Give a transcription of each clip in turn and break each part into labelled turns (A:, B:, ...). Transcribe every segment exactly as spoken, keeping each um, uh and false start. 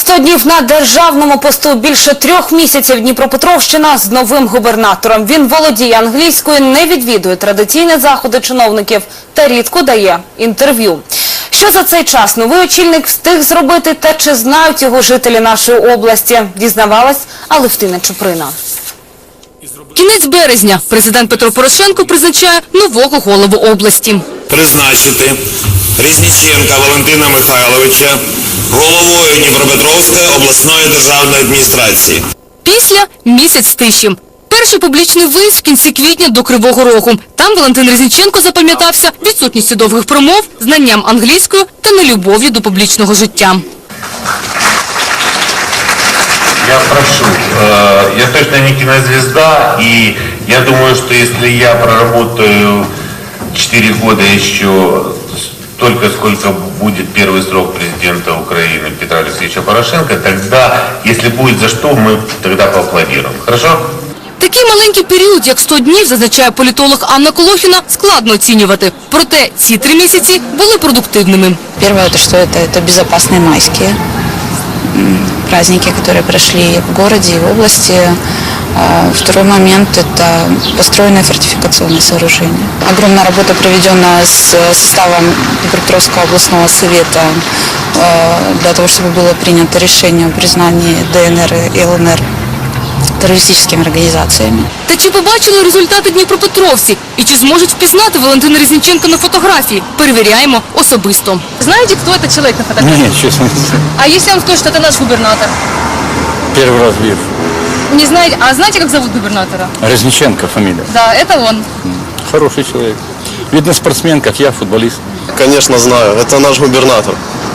A: сто днів на державному посту, більше трьох місяців Дніпропетровщина з новим губернатором. Він володіє англійською, не відвідує традиційні заходи чиновників та рідко дає інтерв'ю. Що за цей час новий очільник встиг зробити та чи знають його жителі нашої області, дізнавалась Алевтина Чуприна.
B: Кінець березня. Президент Петро Порошенко призначає нового голову області.
C: Призначити Різніченка Валентина Михайловича головою Дніпропетровської обласної державної адміністрації.
B: Після – місяць тиші. Перший публічний виїзд в кінці квітня до Кривого Рогу. Там Валентин Різніченко запам'ятався відсутністю довгих промов, знанням англійської та нелюбов'ю до публічного життя.
D: Я прошу, э, я точно не кинозвезда, и я думаю, что если я проработаю четыре года еще столько, сколько будет первый срок президента Украины Петра Алексеевича Порошенко, тогда, если будет за что, мы тогда поаплодируем. Хорошо?
B: Такий маленький період, як сто днів, зазначає політолог Анна Колохіна, складно оцінювати. Проте ці три місяці були продуктивними.
E: Первое, это что это, это безопасные майские праздники, которые прошли в городе и в области. Второй момент – это построенное фортификационное сооружение. Огромная работа проведена с составом Днепропетровского областного совета для того, чтобы было принято решение о признании ДНР и ЛНР терористичними організаціями.
B: Та чи побачили результати дніпропетровці? І чи зможуть впізнати Валентина Різніченка на фотографії? Перевіряємо особисто.
F: Знаете, кто этот человек на фотографии?
G: Нет, честно не знаю.
F: А если он скажет, что это наш губернатор?
G: Первый раз вижу.
F: Не знаете? А знаете, как зовут губернатора?
G: Резниченко фамилия.
F: Да, это он.
G: Хороший человек. Видно, спортсмен, как я, футболист.
H: Конечно, знаю. Это наш губернатор.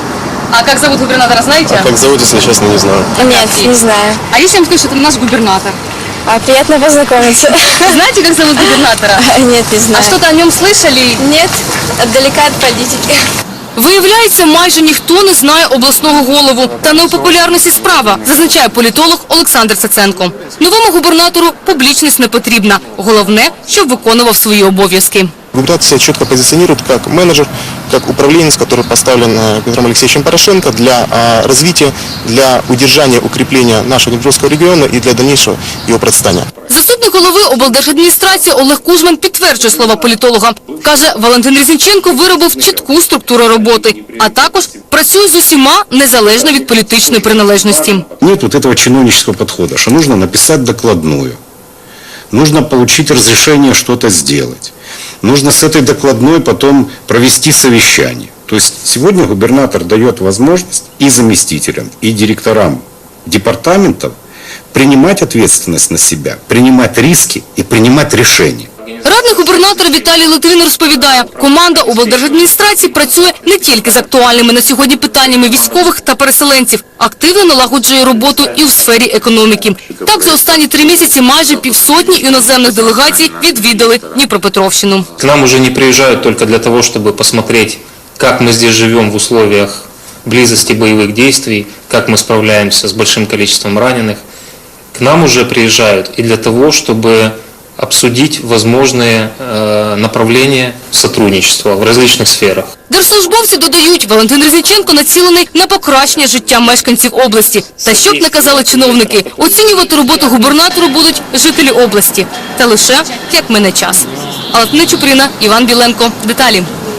F: А как зовут губернатора, знаете?
H: А как зовут, если честно, не знаю.
I: Нет, не знаю.
F: А если я вам скажу, что это наш губернатор?
I: А, приятно познакомиться.
F: Знаете, как зовут губернатора?
I: Нет, не знаю.
F: А что-то о нем слышали?
I: Нет, отдалека от политики.
B: Виявляється, майже ніхто не знає обласного голову. Та не у популярності справа, зазначає політолог Олександр Цаценко. Новому губернатору публічність не потрібна. Головне, щоб виконував свої обов'язки.
H: Губернатор себя четко позиционирует как менеджер, как управленец, который поставлен Петром Алексеевичем Порошенко для а, развития, для удержания, укрепления нашего Днепровского региона и для дальнейшего его процветания.
B: Заступник голови облдержадміністрації Олег Кужман підтверджує слова політолога. Каже, Валентин Різніченко виробив чітку структуру роботи, а також працює з усіма незалежно від політичної приналежності.
J: Нет вот этого чиновнического подхода, что нужно написать докладную, нужно получить разрешение что-то сделать. Нужно с этой докладной потом провести совещание. То есть сегодня губернатор дает возможность и заместителям, и директорам департаментов принимать ответственность на себя, принимать риски и принимать решения.
B: Радник губернатора Віталій Литвин розповідає, команда облдержадміністрації працює не тільки з актуальними на сьогодні питаннями військових та переселенців, активно налагоджує роботу і у сфері економіки. Так, за останні три місяці майже півсотні іноземних делегацій відвідали Дніпропетровщину.
K: К нам уже не приезжают только для того, чтобы посмотреть, как мы здесь живем в условиях близости боевых действий, как мы справляемся с большим количеством раненых. К нам уже приезжают и для того, чтобы обсудить возможные э, направления сотрудничества в различных сферах.
B: Держслужбовці додають, Валентин Різніченко націлений на покращення життя мешканців області. Та щоб не казали чиновники, оцінювати роботу губернатору будуть жителі області. Та лише, як мине час. Алевтина Чуприна, Іван Біленко. Деталі.